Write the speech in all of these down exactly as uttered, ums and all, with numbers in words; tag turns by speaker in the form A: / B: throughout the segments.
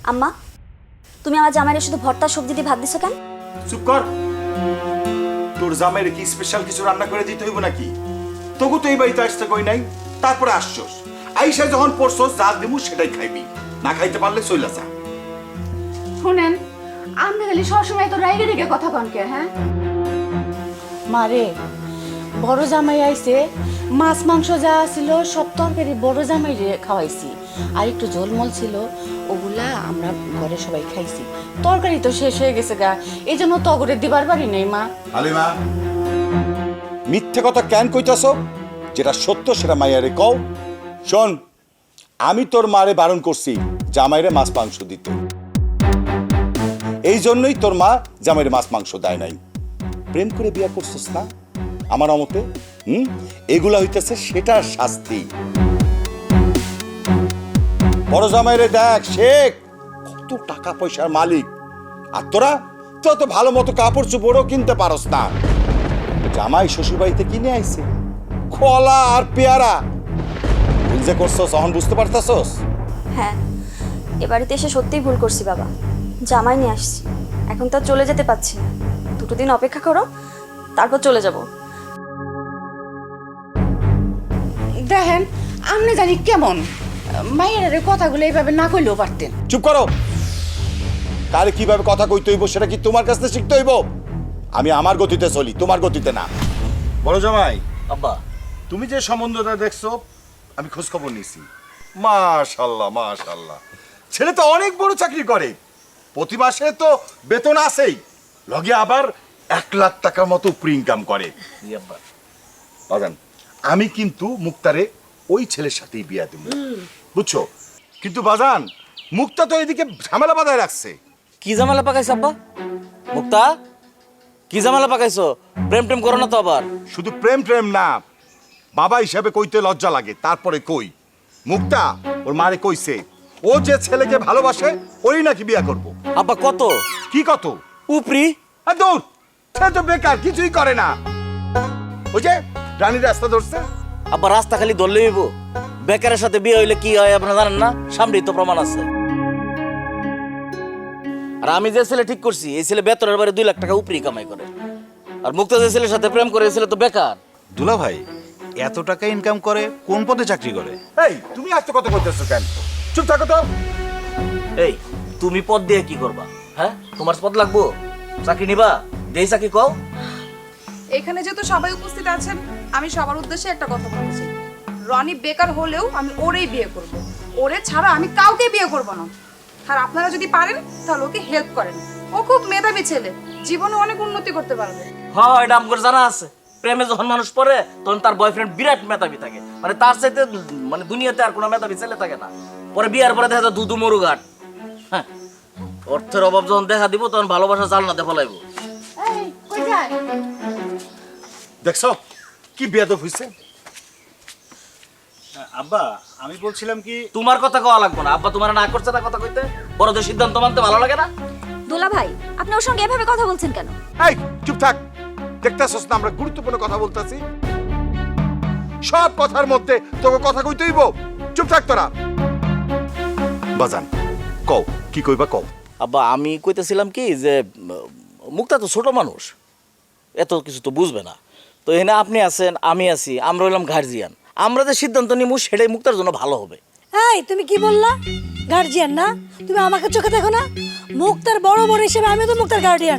A: আম্মা, তুমি আমার জামাইরে শুধু ভর্তা সবজি দিয়ে ভাত দিছো কেন?
B: চুপ কর। তোর জামাইরে কি স্পেশাল কিছু রান্না করে দিতে হইব নাকি? তবু তো এই বাড়িতে আসতে কই নাই, তারপরে আসছস। আইসা যখন পড়ছস যা দিমু সেটাই খাইবি, না খাইতে পারলে চইলা যা।
C: শুনেন, আপনি খালি সবসময় তো রাইগে রেগে কথা কনকে, হ্যাঁ?
D: মারে বড় জামাই আইছে, মাছ মাংস যা ছিল সব তরকারি বড় জামাই খাওয়াইছি, আর একটু ঝোলমল ছিল ওগুলা আমরা ঘরে সবাই খাইছি। তরকারি তো শেষ হয়ে গেছে গা, এই জন্য তগরে দিবার পারি নাই মা।
B: হালিমা, মিথ্যে কথা কেন কইতাছ? যেটা সত্য সেটা মাইয়ারে কও। শোন, আমি তোর মারে বারণ করছি জামাইরে মাছ মাংস দিতে, এই জন্যই তোর মা জামাইরে মাছ মাংস দেয় নাই। প্রেম করে বিয়া করছিস না আমার অমতে? হুম, এগুলা হইতেছে সেটার শাস্তি। বড় জামাইরে দেখ, শেখ কত টাকা পয়সার মালিক, আর তোরা তো তো ভালো মতো কাপড় চোপড়ও কিনতে পারস না। জামাই শ্বশুর বাড়িতে কিনে আইছে কলা আর পেয়ারা, ভুল যে করছস এখন বুঝতে পারতাছস?
A: হ্যাঁ, এ বাড়িতে এসে সত্যিই ভুল করছি বাবা। জামাই নিয়ে আসছি, এখন তো আর চলে যেতে পারছি না। দুটো দিন অপেক্ষা করো, তারপর চলে যাব।
D: দেখেন আপনি জানি কেমন মায়ের কথাগুলো এইভাবে না কইলেও পারতেন।
B: চুপ করো। তাহলে কিভাবে কথা কইতে হইব সেটা কি তোমার কাছ থেকে শিখতে হইব? আমি আমার গতিতে চলি, তোমার গতিতে না। বড় জামাই,
E: আব্বা,
B: তুমি যে সম্বন্ধটা দেখছো আমি খোঁজ খবর নিছি। মাশাআল্লাহ মাশাআল্লাহ, ছেলে তো অনেক বড় চাকরি করে, প্রতি মাসে তো বেতন আছেই, লগে আবার এক লাখ টাকার মতো উপরি ইনকাম করে।
E: জি আব্বা।
B: বাগান, আমি কিন্তু মুক্তারে ওই ছেলের সাথেই বিয়া দেব, বুঝছো? কিন্তু বাজান, মুক্তা তো এদিকে ঝামেলা বাঁধায় রাখছে।
E: কি ঝামেলা পাকাইছ আব্বা? মুক্তা, কি ঝামেলা পাকাইছো? প্রেম টেম করো না তো আবার?
B: শুধু প্রেম প্রেম না, বাবা হিসাবে কইতে লজ্জা লাগে, তারপরে কই। মুক্তা ওর মারে কইছে ও যে ছেলেকে ভালোবাসে ওই নাকি বিয়া করব।
E: আব্বা কত?
B: কি কত?
E: উপরি?
B: আর দূর, সে তো বেকার, কিছুই করে না। ওই যে রানীর রাস্তা ধরছে।
E: আব্বা রাস্তা খালি ধরলে হইব? বেকারের সাথে বিয়ে হইলে কি হয় আপনারা জানেন না? সামনেই তো প্রমাণ আছে। আর আমি যে ছেলে ঠিক করছি, এই ছেলে বেতনের বারে দুই লাখ টাকা উপরি কামাই করে। আর মুক্তা যে ছেলের সাথে প্রেম করে, এই ছেলে তো বেকার।
F: দুলা ভাই এত টাকা ইনকাম করে কোন পদে চাকরি করে?
B: এই তুমি আজ তো কত করতেছো কেন? চুপ থাকো তো।
E: এই তুমি পদ দিয়ে কি করবা? হ্যাঁ, তোমার পদ লাগবো? চাকরি নিবা? যেই চাকরি কও।
C: এখানে যেহেতু সবাই উপস্থিত আছেন, আমি সবার উদ্দেশ্যে একটা কথা বলছি। রনি বেকার হলেও আমি ওরেই বিয়ে করব। ওরে ছাড়া আমি কাউকে বিয়ে করব না। আর আপনারা যদি পারেন তাহলে ওকে হেল্প করেন। ও খুব মেধাবী ছেলে, জীবনে অনেক উন্নতি করতে পারবে।
E: হ্যাঁ, এটা আমার জানা আছে। প্রেমে যখন মানুষ পড়ে তখন তার বয়ফ্রেন্ড বিরাট মেধাবী থাকে, মানে তার চাইতে মানে দুনিয়াতে আর কোনো মেধাবী ছেলে থাকে না। পরে বিয়ার পরে দেখা যায় দুধু মরু ঘাট। হ্যাঁ, অর্থের অভাব যখন দেখা দিব তখন ভালোবাসা জালনাতে ফলাইবো।
D: এই কই যায়?
B: দেখছো কি বেয়াদব হইছে?
F: আব্বা আমি বলছিলাম কি,
E: তোমার কথা কওয়া লাগবে না। আব্বা তোমার না করছে না কথা কইতে? বড়দের সিদ্ধান্ত মানতে ভালো লাগে না?
A: দোলা ভাই, আপনি ওর সঙ্গে এভাবে কথা বলছেন কেন?
B: এই চুপ থাক। দেখতেছস না আমরা গুরুত্বপূর্ণ কথা বলতেছি? সব কথার মধ্যে তোকে কথা কইতে হইব? চুপ থাক তোরা। বাজান কও, কি কইবা কও।
E: আব্বা আমি কইতেছিলাম কি যে উম, মুক্তা তো ছোট মানুষ, এত কিছু তো বুঝবে না। তো এখানে আপনি আছেন, আমি আছি, আমরা হইলাম গার্জিয়ান। আমরা যে সিদ্ধান্ত নিব সেটাই মুক্তার জন্য ভালো হবে।
G: এই তুমি কি বললা? গার্জিয়ান না? তুমি আমাকে চোখে দেখো না? মুক্তার বড় বড় হিসেবে আমি তো মুক্তার গার্ডিয়ান।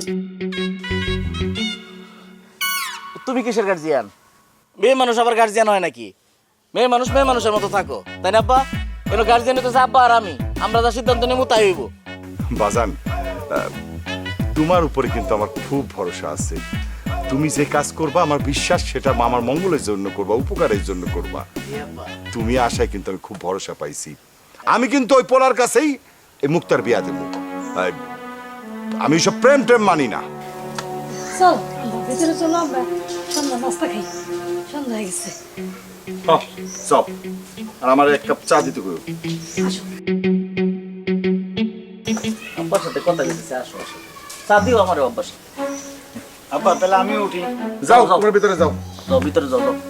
E: তুমি কিসের গার্জিয়ান? মেয়ে মানুষ আবার গার্জিয়ান হয় নাকি? মেয়ে মানুষ মেয়ে মানুষের মতো থাকো, তাই না আব্বা? কোনো গার্জিয়ান হইতেছে আব্বা আর আমি, আমরা যা সিদ্ধান্ত নেব তাই হইব।
B: বাজান, আহ, তোমার উপরে কিন্তু আমার খুব ভরসা আছে। তুমি যে কাজ করবা আমার বিশ্বাস সেটা আমার মঙ্গলের জন্য করবা, উপকারের জন্য করবা। তুমি আশায় কিন্তু আমি খুব ভরসা পাইছি। আমি কিন্তু ওই পোলার কাছেই এই মুক্তার বিয়া দেব। আহ, আমি সব প্রেম প্রেম মানি না।
G: চল ভিতরে চলো, আমরা সন্ধ্যা নাস্তা খাই, সন্ধ্যা হয়ে গেছে।
B: চল, আর আমার এক কাপ চা দিতে কইও।
E: আব্বার সাথে কথা বলতেছে, আসো আসো, চা দিও আমার আব্বার সাথে।
F: আব্বা তাহলে আমিও উঠি।
B: যাও, তোমার ভিতরে যাও।
E: যাও ভিতরে যাও, যাও।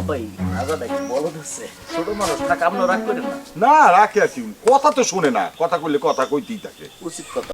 E: ভাই রাজা দেখি বলো দিচ্ছে ছোট মানুষ থাক আপনার রাগ করেন না
B: না রাখে আর কি কথা তো শোনে না কথা কইলে কথা কইতেই থাকে
E: উচিত কথা